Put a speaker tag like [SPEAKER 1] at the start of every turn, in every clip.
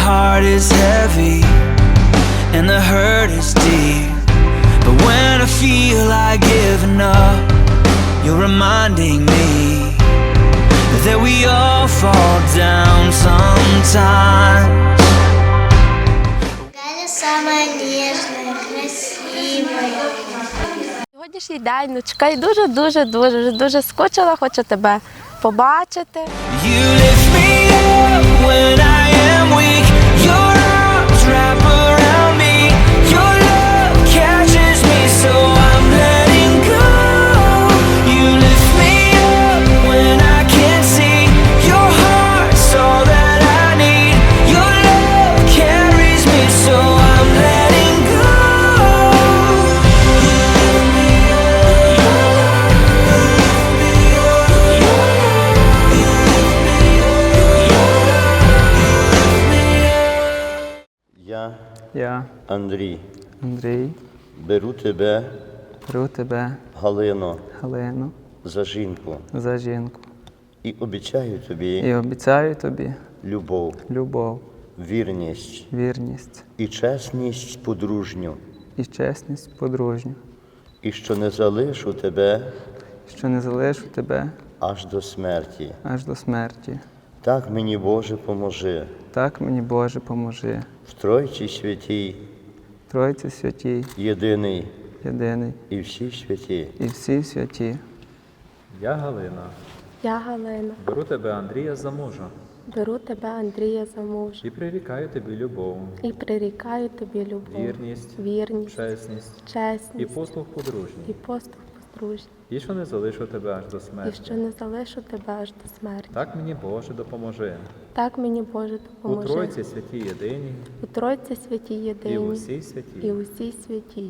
[SPEAKER 1] heart is heavy and the hurt is deep. But when I feel like giving up, you're reminding me that we all fall down sometimes.
[SPEAKER 2] Галя самая нежная, красивая.
[SPEAKER 3] Сьогоднішній день, внучка, і дуже скучила, хочу тебе побачити.
[SPEAKER 1] You lift me up when I am weak. Your arms wrap around me. Your love catches me, so I'm letting go. You lift me up when I can't see. Your heart's all that I need. Your love carries me, so I'm letting go.
[SPEAKER 4] Я,
[SPEAKER 5] Андрій,
[SPEAKER 4] беру тебе,
[SPEAKER 5] Галино,
[SPEAKER 4] за жінку
[SPEAKER 5] за жінку
[SPEAKER 4] і обіцяю тобі любов, вірність і чесність подружню, і що не залишу тебе аж до смерті. Так мені, Боже, поможи. В Тройці святій, єдиний і всі святі.
[SPEAKER 6] Я Галина, беру тебе, Андрія, за мужа і прирікаю тобі любов, вірність, чесність і послуг подружній, і що не залишу тебе аж до смерті. Так мені, Боже, допоможи. У Тройці святій єдиній, і в усій святій.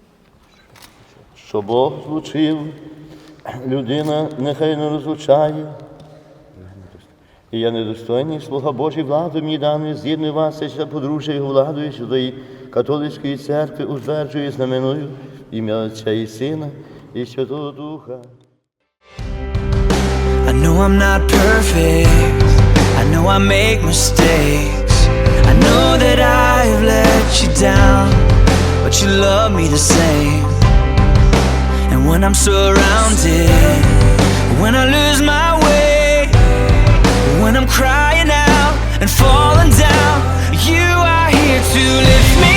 [SPEAKER 5] Що Бог злучив, людина нехай не розлучає. І я недостойний, слуга Божий, владу мені даний, з'єдную вас за подружжя його владою сюди католицької церкви, утверджую, знаменую ім'я Отця і Сина і Святого Духа.
[SPEAKER 1] I know I'm not perfect, I know I make mistakes, I know that I've let you down, but you love me the same. And when I'm surrounded, when I lose my way, when I'm crying out and falling down, you are here to lift me